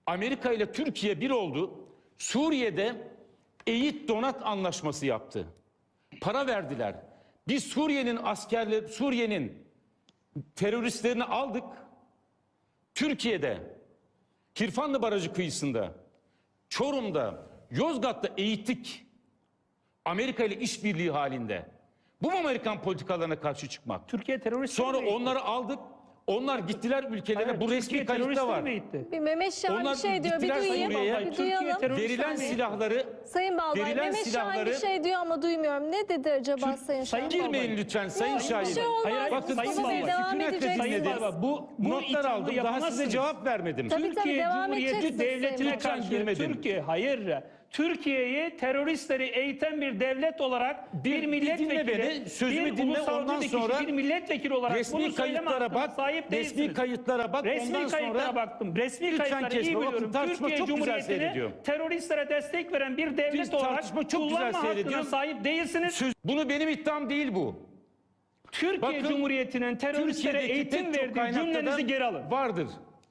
Amerika ile Türkiye bir oldu. Suriye'de eğit donat anlaşması yaptı. Para verdiler. Biz Suriye'nin teröristlerini aldık. Türkiye'de, Kirfanlı Barajı kıyısında, Çorum'da, Yozgat'ta eğittik. Amerika ile işbirliği halinde. Bu mu Amerikan politikalarına karşı çıkmak? Türkiye terörist. Sonra onları aldık. Onlar gittiler ülkelerine. Hayır, bu resmi kayıtta var. Bir Mehmet Şahin bir şey diyor. Bir gittiler duyayım. Suriye'ye. Bir duyalım. Verilen silahları, Sayın Balbay, verilen Mehmet Şahin bir silahları- şey diyor ama duymuyorum. Ne dedi acaba Sayın Şahin? girmeyin lütfen Sayın Şahin. Bir şey olmaz. Hayır, Bakın Sayın Mustafa Bey Balbay, devam sükunetle edeceksiniz. dinledim. Balbay, bu Notlar ithamı aldım. Daha size yapamazsınız. cevap vermedim. Tabii, Türkiye devam Cumhuriyeti edeceksiniz devletine Sayın karşı Balbay. Türkiye'yi teröristleri eğiten bir devlet olarak bir dinle milletvekili, beni, sözümü bir dinle, ulusal ondan bir kişi, sonra bir milletvekili olarak bunu resmi söyleme kayıtlara hakkına bak. sahip Resmi değilsiniz. kayıtlara bak. Resmi Ondan kayıtlara sonra baktım. Resmi lütfen kayıtları kesme. iyi Bakın, biliyorum. tartışma Türkiye çok güzel Cumhuriyeti'ni seyrediyorum. teröristlere destek veren bir devlet olarak tartışma çok güzel kullanma hakkına seyrediyorum. sahip değilsiniz. Bunu benim iddiam değil bu. Türkiye Bakın, Cumhuriyeti'nin teröristlere Türkiye'deki eğitim pek çok verdiği kaynakta cümlenizi da geri alın. vardır.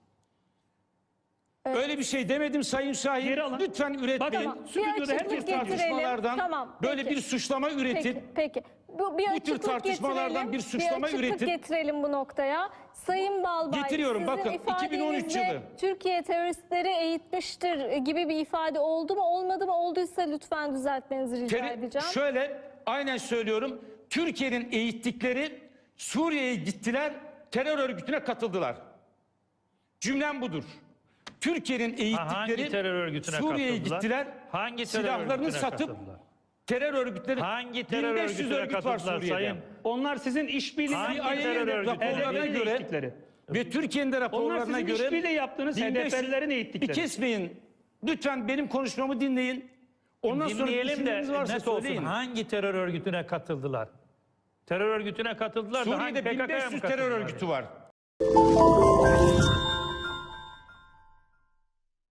Öyle bir şey demedim Sayın Şahin. Geri alın. Lütfen üretmeyin. Bakın, stüdyoda açıklık herkes getirelim. tartışmalardan Tamam, böyle peki. bir suçlama üretip Peki. Bir tür açıklık tartışmalardan getirelim. bir suçlama açıklık üretip- getirelim bu noktaya. Sayın Balbay, Getiriyorum, sizin bakın, 2013 ifadenizde yılı. Türkiye teröristleri eğitmiştir gibi bir ifade oldu mu olmadı mı? Olduysa lütfen düzeltmenizi rica edeceğim. Şöyle aynen söylüyorum. Türkiye'nin eğittikleri Suriye'ye gittiler, terör örgütüne katıldılar. Cümlem budur. Türkiye'nin Hangi eğittikleri terör örgütüne Suriye'ye katıldılar? gittiler. Hangi terör silahlarını örgütüne satıp katıldılar? terör örgütleri Hangi terör 1500 örgütüne örgüt var katıldılar Suriye'de. sayın? Onlar sizin işbirliği Hangi yaptığınız terör CIA'nin örgütü? raporlarına HDP'nin göre eğittikleri. ve Türkiye'nin de Onlar raporlarına sizin göre işbirliği yaptığınız 1500 HDP'lilerin eğittikleri. Bir kesmeyin. Lütfen benim konuşmamı dinleyin. Ondan sonra Dinleyelim de düşünceniz varsa net olsun. söyleyin. Hangi terör örgütüne katıldılar? Terör örgütüne katıldılar da hangi Suriye'de PKK'ya mı 1500 terör katıldılar? örgütü var.